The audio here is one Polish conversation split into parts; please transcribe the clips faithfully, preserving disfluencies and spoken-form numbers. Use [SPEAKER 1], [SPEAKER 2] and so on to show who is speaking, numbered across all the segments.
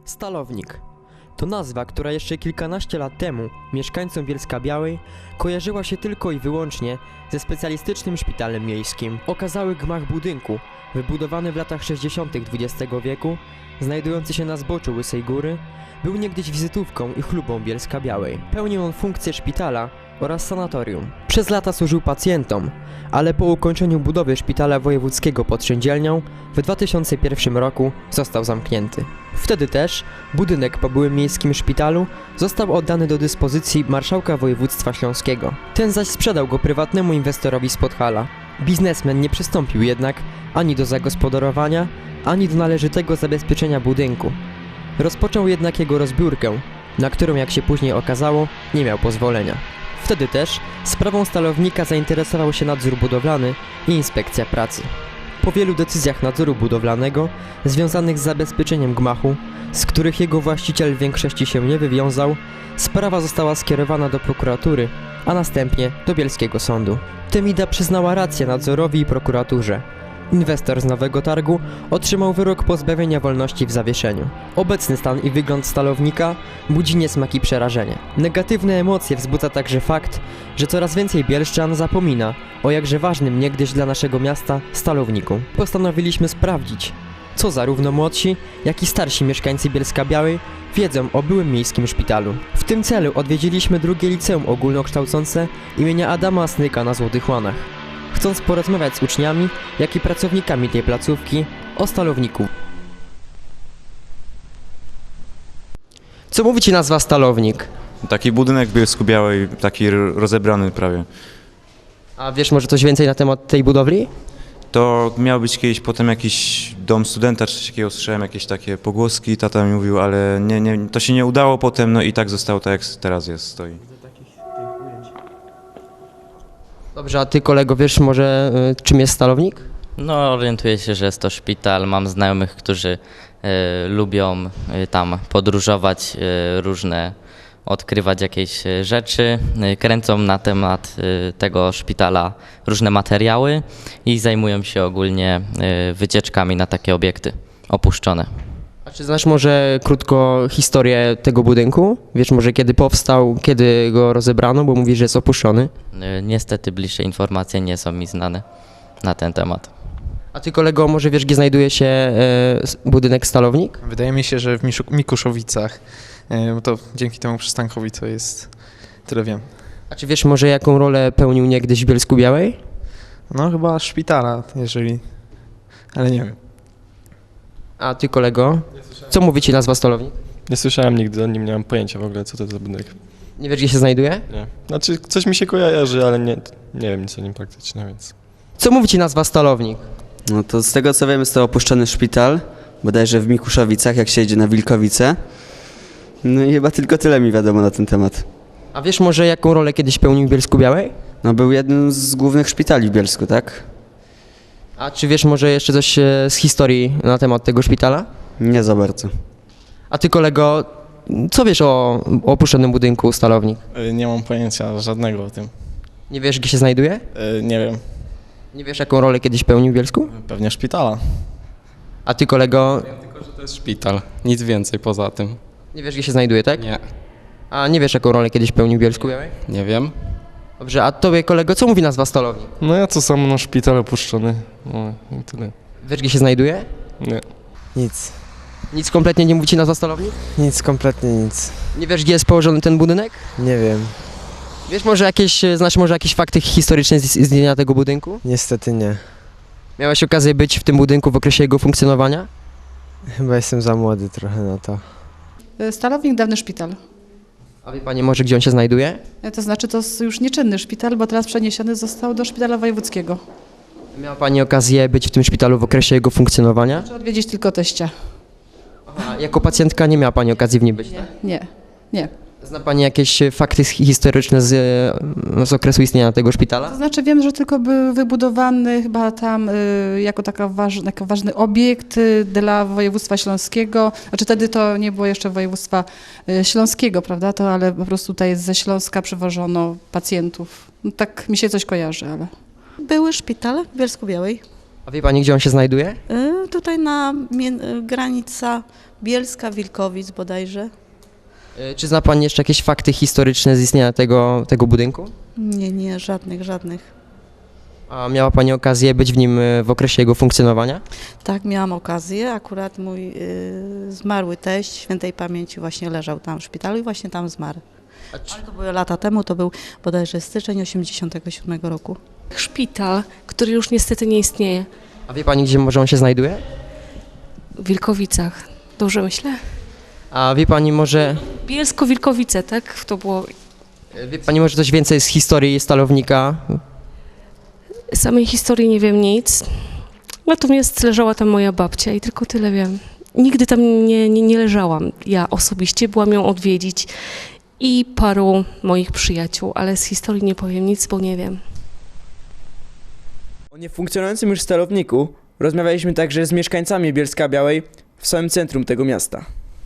[SPEAKER 1] Stalownik to nazwa, która jeszcze kilkanaście lat temu mieszkańcom Bielska-Białej kojarzyła się tylko i wyłącznie ze specjalistycznym szpitalem miejskim. Okazały gmach budynku, wybudowany w latach sześćdziesiątych dwudziestego wieku, znajdujący się na zboczu Łysej Góry, był niegdyś wizytówką i chlubą Bielska-Białej. Pełnił on funkcję szpitala oraz sanatorium. Przez lata służył pacjentom, ale po ukończeniu budowy szpitala wojewódzkiego pod Szyndzielnią w dwa tysiące pierwszym roku został zamknięty. Wtedy też budynek po byłym miejskim szpitalu został oddany do dyspozycji marszałka województwa śląskiego. Ten zaś sprzedał go prywatnemu inwestorowi z Podhala. Biznesmen nie przystąpił jednak ani do zagospodarowania, ani do należytego zabezpieczenia budynku. Rozpoczął jednak jego rozbiórkę, na którą, jak się później okazało, nie miał pozwolenia. Wtedy też sprawą Stalownika zainteresował się nadzór budowlany i inspekcja pracy. Po wielu decyzjach nadzoru budowlanego związanych z zabezpieczeniem gmachu, z których jego właściciel w większości się nie wywiązał, sprawa została skierowana do prokuratury, a następnie do bielskiego sądu. Temida przyznała rację nadzorowi i prokuraturze. Inwestor z Nowego Targu otrzymał wyrok pozbawienia wolności w zawieszeniu. Obecny stan i wygląd Stalownika budzi niesmak i przerażenie. Negatywne emocje wzbudza także fakt, że coraz więcej bielszczan zapomina o jakże ważnym niegdyś dla naszego miasta Stalowniku. Postanowiliśmy sprawdzić, co zarówno młodsi, jak i starsi mieszkańcy Bielska-Białej wiedzą o byłym miejskim szpitalu. W tym celu odwiedziliśmy drugie liceum ogólnokształcące imienia Adama Snyka na Złotych Łanach, chcąc porozmawiać z uczniami, jak i pracownikami tej placówki o Stalowniku. Co mówi ci nazwa Stalownik?
[SPEAKER 2] Taki budynek w Bielsku-Białej, taki rozebrany prawie.
[SPEAKER 1] A wiesz może coś więcej na temat tej budowli?
[SPEAKER 2] To miał być kiedyś potem jakiś dom studenta, czy coś takiego, słyszałem jakieś takie pogłoski, tata mi mówił, ale nie, nie, to się nie udało potem, no i tak zostało tak, jak teraz jest, stoi.
[SPEAKER 1] Dobrze, a ty kolego wiesz może y, czym jest Stalownik?
[SPEAKER 3] No, orientuję się, że jest to szpital. Mam znajomych, którzy y, lubią y, tam podróżować, y, różne, odkrywać jakieś y, rzeczy. Y, kręcą na temat y, tego szpitala różne materiały i zajmują się ogólnie y, wycieczkami na takie obiekty opuszczone.
[SPEAKER 1] A czy znasz może krótko historię tego budynku? Wiesz może kiedy powstał, kiedy go rozebrano, bo mówisz, że jest opuszczony?
[SPEAKER 3] Y, niestety bliższe informacje nie są mi znane na ten temat.
[SPEAKER 1] A ty kolego może wiesz, gdzie znajduje się e, s- budynek Stalownik?
[SPEAKER 4] Wydaje mi się, że w Miszu- Mikuszowicach, e, bo to dzięki temu przystankowi to jest, tyle wiem.
[SPEAKER 1] A czy wiesz może jaką rolę pełnił niegdyś w Bielsku-Białej?
[SPEAKER 4] No chyba szpitala, jeżeli, ale nie wiem.
[SPEAKER 1] A ty kolego, co mówi ci nazwa Stalownik?
[SPEAKER 5] Nie słyszałem nigdy o nim, nie mam pojęcia w ogóle, co to jest za budynek.
[SPEAKER 1] Nie wiesz, gdzie się znajduje?
[SPEAKER 5] Nie. Znaczy, coś mi się kojarzy, ale nie, nie wiem nic o nim praktycznie, więc...
[SPEAKER 1] Co mówi ci nazwa Stalownik?
[SPEAKER 6] No to z tego co wiem jest to opuszczony szpital, bodajże w Mikuszowicach, jak się jedzie na Wilkowice. No i chyba tylko tyle mi wiadomo na ten temat.
[SPEAKER 1] A wiesz może jaką rolę kiedyś pełnił w Bielsku-Białej?
[SPEAKER 6] No był jednym z głównych szpitali w Bielsku, tak?
[SPEAKER 1] A czy wiesz może jeszcze coś e, z historii na temat tego szpitala?
[SPEAKER 6] Nie za bardzo.
[SPEAKER 1] A ty kolego, co wiesz o, o opuszczonym budynku Stalownik?
[SPEAKER 7] Y, Nie mam pojęcia żadnego o tym.
[SPEAKER 1] Nie wiesz, gdzie się znajduje?
[SPEAKER 7] Y, Nie wiem,
[SPEAKER 1] Nie wiesz, jaką rolę kiedyś pełnił w Bielsku?
[SPEAKER 7] pewnie szpitala.
[SPEAKER 1] A ty kolego,
[SPEAKER 8] Tylko, że to jest szpital, nic więcej poza tym.
[SPEAKER 1] nie wiesz, gdzie się znajduje, tak?
[SPEAKER 8] Nie,
[SPEAKER 1] A nie wiesz, jaką rolę kiedyś pełnił w Bielsku-Białej?
[SPEAKER 8] nie wiem.
[SPEAKER 1] Dobrze, a tobie kolego, co mówi nazwa Stalownik?
[SPEAKER 5] No ja to samo, no szpital opuszczony, no i tyle.
[SPEAKER 1] Wiesz, gdzie się znajduje?
[SPEAKER 5] Nie.
[SPEAKER 9] Nic,
[SPEAKER 1] Nic kompletnie nie mówi ci nazwa Stalownik?
[SPEAKER 9] nic, kompletnie nic.
[SPEAKER 1] Nie wiesz, gdzie jest położony ten budynek?
[SPEAKER 9] Nie wiem,
[SPEAKER 1] Wiesz może jakieś, znasz może jakieś fakty historyczne z z istnienia tego budynku?
[SPEAKER 9] niestety nie.
[SPEAKER 1] Miałeś okazję być w tym budynku w okresie jego funkcjonowania?
[SPEAKER 9] Chyba jestem za młody trochę na to.
[SPEAKER 10] Stalownik, dawny szpital.
[SPEAKER 1] A wie pani może, gdzie on się znajduje?
[SPEAKER 10] To znaczy to jest już nieczynny szpital, bo teraz przeniesiony został do szpitala wojewódzkiego.
[SPEAKER 1] Miała pani okazję być w tym szpitalu w okresie jego funkcjonowania?
[SPEAKER 10] Czy odwiedzić tylko teścia?
[SPEAKER 1] A jako pacjentka nie miała pani okazji w nim być, tak?
[SPEAKER 10] Nie, nie.
[SPEAKER 1] Zna pani jakieś e, fakty hi- historyczne z, e, z okresu istnienia tego szpitala?
[SPEAKER 10] To znaczy wiem, że tylko był wybudowany chyba tam y, jako taka waż, jako ważny obiekt y, dla województwa śląskiego. Znaczy wtedy to nie było jeszcze województwa y, śląskiego, prawda? To ale po prostu tutaj ze Śląska przywożono pacjentów. No, tak mi się coś kojarzy, ale...
[SPEAKER 11] Były szpital w Bielsku-Białej.
[SPEAKER 1] A wie pani, gdzie on się znajduje?
[SPEAKER 11] Y, tutaj na mie- granica Bielska-Wilkowic bodajże.
[SPEAKER 1] E, Czy zna pani jeszcze jakieś fakty historyczne z istnienia tego, tego budynku?
[SPEAKER 11] Nie, nie, żadnych, żadnych.
[SPEAKER 1] A miała pani okazję być w nim e, w okresie jego funkcjonowania?
[SPEAKER 11] Tak, miałam okazję. Akurat mój y, zmarły teść świętej pamięci właśnie leżał tam w szpitalu i właśnie tam zmarł. Ale to były lata temu, to był bodajże styczeń osiemdziesiątego siódmego roku.
[SPEAKER 12] Szpital, który już niestety nie istnieje.
[SPEAKER 1] A wie pani, gdzie może on się znajduje?
[SPEAKER 12] W Wilkowicach. Dobrze myślę?
[SPEAKER 1] A wie pani może,
[SPEAKER 12] Bielsko-Wilkowice, tak? To było...
[SPEAKER 1] e, wie pani może coś więcej z historii Stalownika?
[SPEAKER 12] Samej historii nie wiem nic. Natomiast leżała tam moja babcia i tylko tyle wiem. Nigdy tam nie, nie, nie leżałam. Ja osobiście byłam ją odwiedzić i paru moich przyjaciół, ale z historii nie powiem nic, bo nie wiem.
[SPEAKER 13] O niefunkcjonującym już stalowniku rozmawialiśmy także z mieszkańcami Bielska-Białej w samym centrum tego miasta.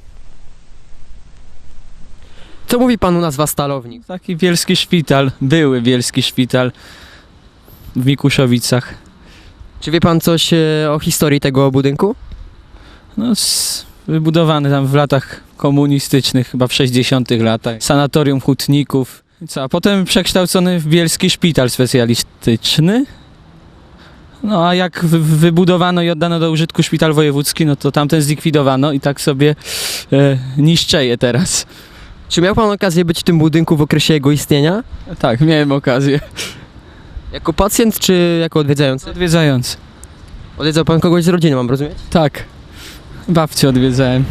[SPEAKER 1] Co mówi panu nazwa Stalownik?
[SPEAKER 14] Taki bielski szpital, były bielski szpital w Mikuszowicach.
[SPEAKER 1] Czy wie pan coś e, o historii tego budynku?
[SPEAKER 14] No, s- wybudowany tam w latach komunistycznych, chyba w sześćdziesiątych latach. Sanatorium hutników. I co, a potem przekształcony w bielski szpital specjalistyczny. No a jak wy- wybudowano i oddano do użytku szpital wojewódzki, no to tamten zlikwidowano i tak sobie e, niszczeje teraz.
[SPEAKER 1] Czy miał pan okazję być w tym budynku w okresie jego istnienia?
[SPEAKER 14] Tak, miałem okazję.
[SPEAKER 1] Jako pacjent czy jako odwiedzający?
[SPEAKER 14] Odwiedzający.
[SPEAKER 1] Odwiedzał pan kogoś z rodziny, mam rozumieć?
[SPEAKER 14] Tak. Babcię odwiedzałem.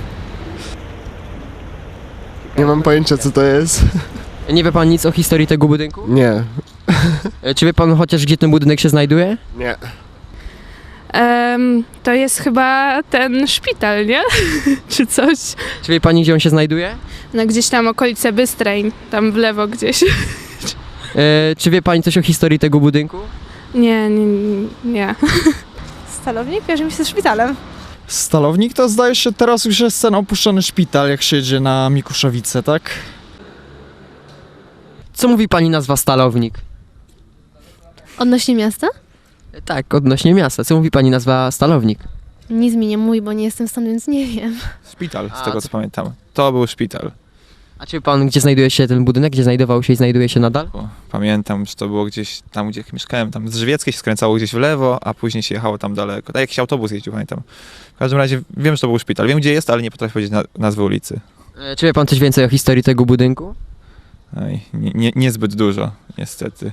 [SPEAKER 5] Nie mam pojęcia, co to jest.
[SPEAKER 1] Nie wie pan nic o historii tego budynku?
[SPEAKER 5] Nie.
[SPEAKER 1] E, Czy wie pan chociaż, gdzie ten budynek się znajduje?
[SPEAKER 5] Nie.
[SPEAKER 12] Um, to jest chyba ten szpital, nie? Czy coś?
[SPEAKER 1] Czy wie pani, gdzie on się znajduje?
[SPEAKER 12] No gdzieś tam okolice Bystreń, tam w lewo gdzieś.
[SPEAKER 1] E, Czy wie pani coś o historii tego budynku?
[SPEAKER 12] Nie, nie, nie.
[SPEAKER 10] Stalownik kojarzy mi się ze szpitalem.
[SPEAKER 7] Stalownik to zdaje się teraz już jest ten opuszczony szpital, jak się jedzie na Mikuszowice, tak?
[SPEAKER 1] Co mówi pani nazwa Stalownik?
[SPEAKER 15] Odnośnie miasta?
[SPEAKER 1] E, Tak, odnośnie miasta. Co mówi pani nazwa Stalownik?
[SPEAKER 15] Nic mi nie mówi, bo nie jestem stąd, więc nie wiem.
[SPEAKER 16] Szpital, z
[SPEAKER 1] A,
[SPEAKER 16] tego
[SPEAKER 1] co-
[SPEAKER 16] co pamiętam. To był szpital.
[SPEAKER 1] A czy wie pan, gdzie znajduje się ten budynek? Gdzie znajdował się i znajduje się nadal?
[SPEAKER 16] O, pamiętam, że to było gdzieś tam, gdzie mieszkałem, tam z Żywieckiej się skręcało gdzieś w lewo, a później się jechało tam daleko. Tak, jakiś autobus jeździł, pamiętam. W każdym razie wiem, że to był szpital. Wiem, gdzie jest, ale nie potrafię powiedzieć na, nazwy ulicy.
[SPEAKER 1] E, Czy wie pan coś więcej o historii tego budynku?
[SPEAKER 16] Oj, nie, nie, niezbyt dużo, niestety.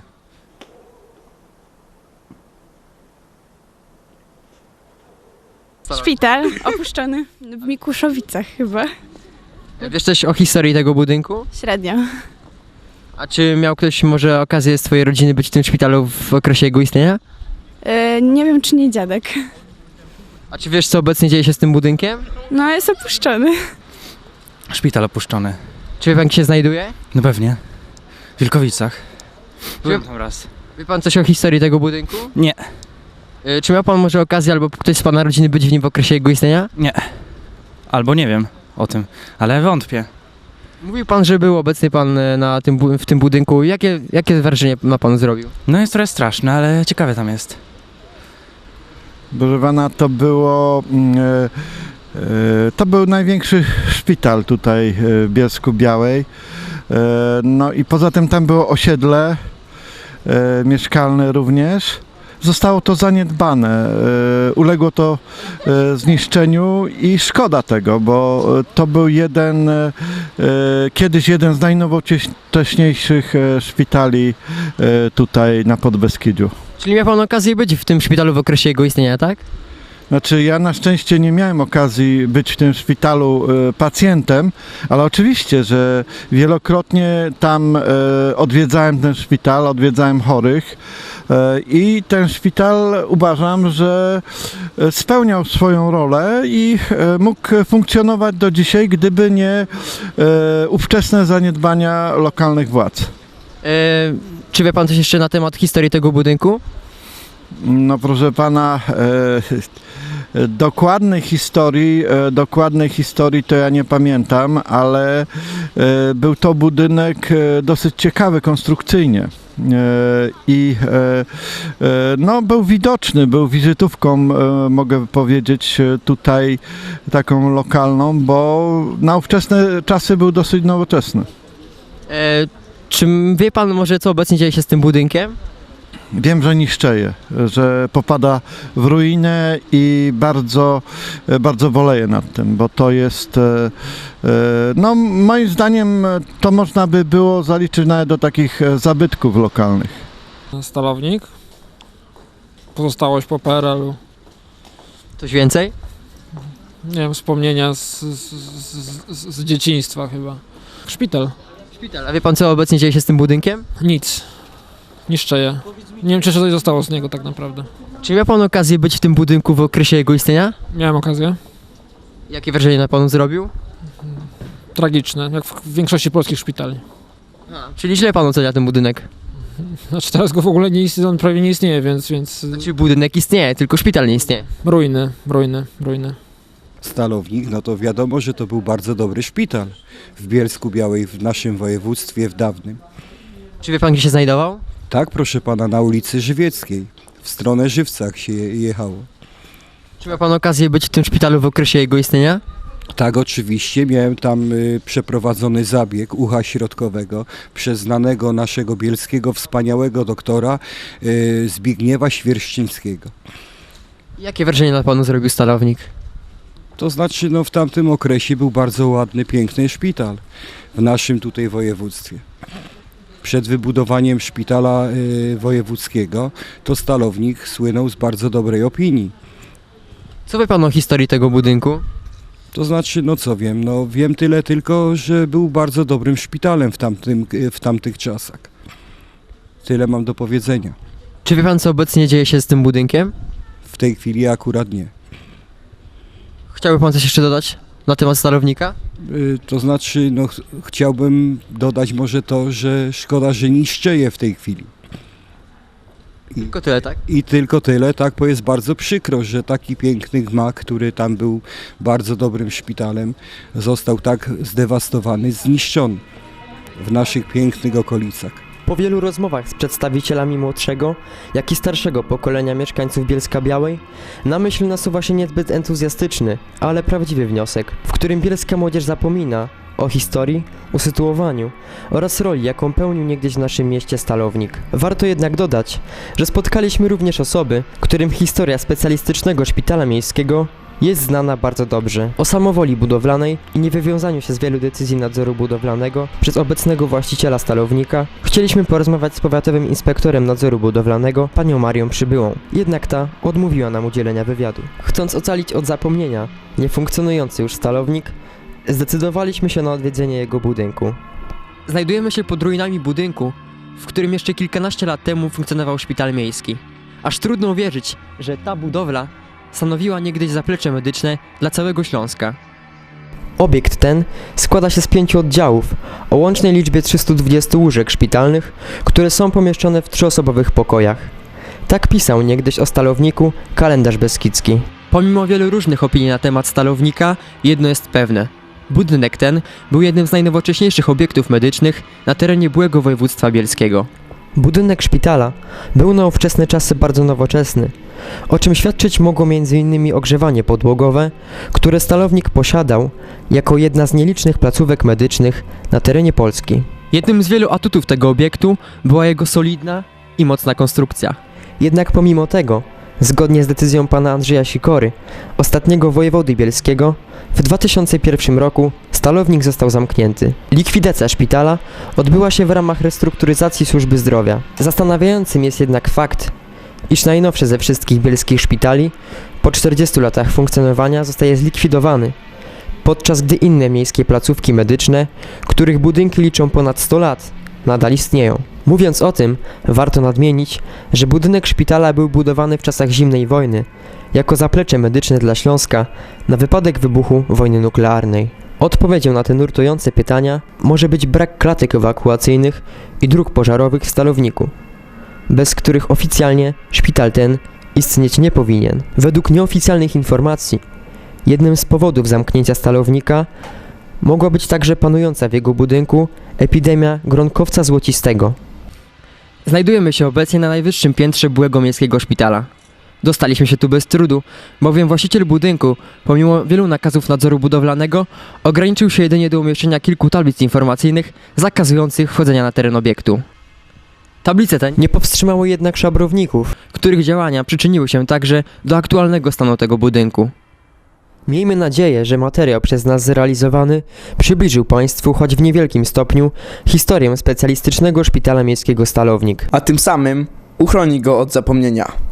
[SPEAKER 12] Szpital opuszczony w Mikuszowicach chyba.
[SPEAKER 1] E, Wiesz coś o historii tego budynku?
[SPEAKER 12] Średnio.
[SPEAKER 1] A czy miał ktoś może okazję z twojej rodziny być w tym szpitalu w okresie jego istnienia?
[SPEAKER 12] E, nie wiem, czy nie dziadek.
[SPEAKER 1] A czy wiesz, co obecnie dzieje się z tym budynkiem?
[SPEAKER 12] No, jest opuszczony.
[SPEAKER 14] Szpital opuszczony.
[SPEAKER 1] Czy wie pan, gdzie się znajduje?
[SPEAKER 14] No pewnie. W Wilkowicach.
[SPEAKER 1] Byłem
[SPEAKER 14] tam raz.
[SPEAKER 1] Wie pan coś o historii tego budynku?
[SPEAKER 14] Nie.
[SPEAKER 1] E, Czy miał pan może okazję albo ktoś z pana rodziny być w nim w okresie jego istnienia?
[SPEAKER 14] Nie. Albo nie wiem o tym, ale wątpię.
[SPEAKER 1] Mówił pan, że był obecny pan e, na tym, bu- w tym budynku. Jakie, jakie wrażenie na panu zrobił?
[SPEAKER 14] No jest trochę straszne, ale ciekawe tam jest.
[SPEAKER 17] Proszę pana, to było, mm, e, e, to był największy szpital tutaj e, w Bielsku-Białej. E, no i poza tym tam było osiedle e, mieszkalne również. Zostało to zaniedbane, e, uległo to e, zniszczeniu i szkoda tego, bo e, to był jeden, e, kiedyś jeden z najnowocześniejszych e, szpitali e, tutaj na Podbeskidziu.
[SPEAKER 1] Czyli miał pan okazję być w tym szpitalu w okresie jego istnienia, tak?
[SPEAKER 17] Znaczy ja na szczęście nie miałem okazji być w tym szpitalu e, pacjentem, ale oczywiście, że wielokrotnie tam e, odwiedzałem ten szpital, odwiedzałem chorych e, i ten szpital uważam, że e, spełniał swoją rolę i e, mógł funkcjonować do dzisiaj, gdyby nie e, ówczesne zaniedbania lokalnych władz.
[SPEAKER 1] E, czy wie pan coś jeszcze na temat historii tego budynku?
[SPEAKER 17] No proszę pana, e, dokładnej historii, e, dokładnej historii to ja nie pamiętam, ale e, był to budynek e, dosyć ciekawy konstrukcyjnie. i no, był widoczny, był wizytówką, mogę powiedzieć, tutaj taką lokalną, bo na ówczesne czasy był dosyć nowoczesny.
[SPEAKER 1] E, czy wie pan może, co obecnie dzieje się z tym budynkiem?
[SPEAKER 17] Wiem, że niszczeje, że popada w ruinę i bardzo, bardzo boleję nad tym, bo to jest, no moim zdaniem to można by było zaliczyć nawet do takich zabytków lokalnych.
[SPEAKER 18] Stalownik, pozostałość po P R L-u.
[SPEAKER 1] Coś więcej?
[SPEAKER 18] Nie wiem, wspomnienia z, z, z, z dzieciństwa chyba. Szpital.
[SPEAKER 1] Szpital. A wie pan, co obecnie dzieje się z tym budynkiem?
[SPEAKER 18] Nic. Niszczeje. Nie wiem, czy coś zostało z niego tak naprawdę.
[SPEAKER 1] Czy miał pan okazję być w tym budynku w okresie jego istnienia?
[SPEAKER 18] Miałem okazję.
[SPEAKER 1] Jakie wrażenie na panu zrobił?
[SPEAKER 18] Tragiczne, jak w większości polskich szpitali.
[SPEAKER 1] A, czyli źle pan ocenia ten budynek?
[SPEAKER 18] Znaczy teraz go w ogóle nie istnieje, on prawie nie istnieje, więc... więc...
[SPEAKER 1] Znaczy budynek istnieje, tylko szpital nie istnieje.
[SPEAKER 18] Ruiny, ruiny, ruiny.
[SPEAKER 19] Stalownik, no to wiadomo, że to był bardzo dobry szpital w Bielsku Białej, w naszym województwie, w dawnym.
[SPEAKER 1] Czy wie pan, gdzie się znajdował?
[SPEAKER 19] Tak, proszę pana, na ulicy Żywieckiej, w stronę Żywcach się jechało.
[SPEAKER 1] Czy miał pan okazję być w tym szpitalu w okresie jego istnienia?
[SPEAKER 19] Tak, oczywiście, miałem tam y, przeprowadzony zabieg ucha środkowego przez znanego naszego bielskiego wspaniałego doktora y, Zbigniewa Świerszczyńskiego.
[SPEAKER 1] Jakie wrażenie na panu zrobił Stalownik?
[SPEAKER 19] To znaczy, no w tamtym okresie był bardzo ładny, piękny szpital w naszym tutaj województwie. Przed wybudowaniem szpitala y, wojewódzkiego to Stalownik słynął z bardzo dobrej opinii.
[SPEAKER 1] Co wie pan o historii tego budynku?
[SPEAKER 19] To znaczy, no co wiem, no wiem tyle tylko, że był bardzo dobrym szpitalem w, tamtym, w tamtych czasach. Tyle mam do powiedzenia.
[SPEAKER 1] Czy wie pan, co obecnie dzieje się z tym budynkiem?
[SPEAKER 19] W tej chwili akurat nie.
[SPEAKER 1] Chciałby pan coś jeszcze dodać na temat Stalownika?
[SPEAKER 19] Y, to znaczy, no ch chciałbym dodać może to, że szkoda, że niszczeje w tej chwili. I,
[SPEAKER 1] tylko tyle, tak?
[SPEAKER 19] I tylko tyle, tak, bo jest bardzo przykro, że taki piękny gmach, który tam był bardzo dobrym szpitalem, został tak zdewastowany, zniszczony w naszych pięknych okolicach.
[SPEAKER 1] Po wielu rozmowach z przedstawicielami młodszego, jak i starszego pokolenia mieszkańców Bielska Białej, na myśl nasuwa się niezbyt entuzjastyczny, ale prawdziwy wniosek, w którym bielska młodzież zapomina o historii, usytuowaniu oraz roli, jaką pełnił niegdyś w naszym mieście Stalownik. Warto jednak dodać, że spotkaliśmy również osoby, którym historia specjalistycznego szpitala miejskiego jest znana bardzo dobrze. O samowoli budowlanej i niewywiązaniu się z wielu decyzji nadzoru budowlanego przez obecnego właściciela Stalownika chcieliśmy porozmawiać z powiatowym inspektorem nadzoru budowlanego, panią Marią Przybyłą. Jednak ta odmówiła nam udzielenia wywiadu. Chcąc ocalić od zapomnienia niefunkcjonujący już Stalownik, zdecydowaliśmy się na odwiedzenie jego budynku. Znajdujemy się pod ruinami budynku, w którym jeszcze kilkanaście lat temu funkcjonował szpital miejski. Aż trudno uwierzyć, że ta budowla stanowiła niegdyś zaplecze medyczne dla całego Śląska. Obiekt ten składa się z pięciu oddziałów o łącznej liczbie trzystu dwudziestu łóżek szpitalnych, które są pomieszczone w trzyosobowych pokojach. Tak pisał niegdyś o Stalowniku kalendarz beskidzki. Pomimo wielu różnych opinii na temat Stalownika, jedno jest pewne. Budynek ten był jednym z najnowocześniejszych obiektów medycznych na terenie byłego województwa bielskiego. Budynek szpitala był na ówczesne czasy bardzo nowoczesny, o czym świadczyć mogło między innymi ogrzewanie podłogowe, które Stalownik posiadał jako jedna z nielicznych placówek medycznych na terenie Polski. Jednym z wielu atutów tego obiektu była jego solidna i mocna konstrukcja. Jednak pomimo tego, zgodnie z decyzją pana Andrzeja Sikory, ostatniego wojewody bielskiego, w dwa tysiące pierwszym roku Stalownik został zamknięty. Likwidacja szpitala odbyła się w ramach restrukturyzacji służby zdrowia. Zastanawiającym jest jednak fakt, iż najnowszy ze wszystkich bielskich szpitali po czterdziestu latach funkcjonowania zostaje zlikwidowany, podczas gdy inne miejskie placówki medyczne, których budynki liczą ponad sto lat, nadal istnieją. Mówiąc o tym, warto nadmienić, że budynek szpitala był budowany w czasach zimnej wojny, jako zaplecze medyczne dla Śląska na wypadek wybuchu wojny nuklearnej. Odpowiedzią na te nurtujące pytania może być brak klatek ewakuacyjnych i dróg pożarowych w Stalowniku, bez których oficjalnie szpital ten istnieć nie powinien. Według nieoficjalnych informacji, jednym z powodów zamknięcia Stalownika mogła być także panująca w jego budynku epidemia gronkowca złocistego. Znajdujemy się obecnie na najwyższym piętrze byłego miejskiego szpitala. Dostaliśmy się tu bez trudu, bowiem właściciel budynku, pomimo wielu nakazów nadzoru budowlanego, ograniczył się jedynie do umieszczenia kilku tablic informacyjnych zakazujących wchodzenia na teren obiektu. Tablice te nie powstrzymały jednak szabrowników, których działania przyczyniły się także do aktualnego stanu tego budynku. Miejmy nadzieję, że materiał przez nas zrealizowany przybliżył Państwu, choć w niewielkim stopniu, historię specjalistycznego szpitala miejskiego Stalownik.
[SPEAKER 13] A tym samym uchroni go od zapomnienia.